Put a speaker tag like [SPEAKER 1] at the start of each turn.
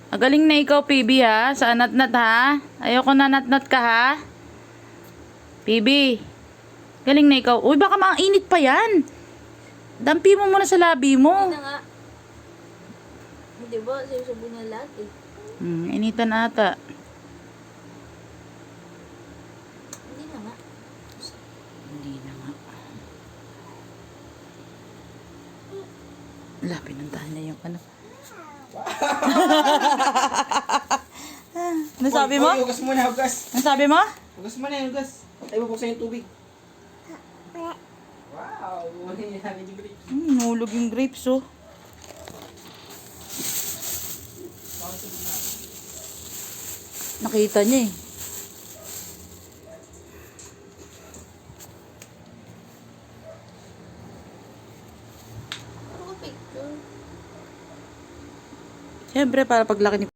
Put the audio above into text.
[SPEAKER 1] Magaling na ikaw, PB, ha? Sa anat-nat, ha? Ayoko na nat-nat ka, ha? PB. Galing na ikaw. Uy, baka mainit pa yan. Dampi mo muna sa labi mo.
[SPEAKER 2] Hindi na nga. Hindi ba? Sinusubo niya lahat eh.
[SPEAKER 1] Initan ata.
[SPEAKER 2] Hindi na nga.
[SPEAKER 1] Hindi na nga. Wala, pinuntahan niya yung ano. Ano sabi mo?
[SPEAKER 3] Hugas muna, hugas.
[SPEAKER 1] Ano sabi mo?
[SPEAKER 3] Hugas muna, hugas. Ay, bubuksan yung tubig. Wow, hindi namin yung grapes.
[SPEAKER 1] Nulog yung grapes, oh. Nakita niya eh.
[SPEAKER 2] Ako picture.
[SPEAKER 1] Siyempre, para paglaki ni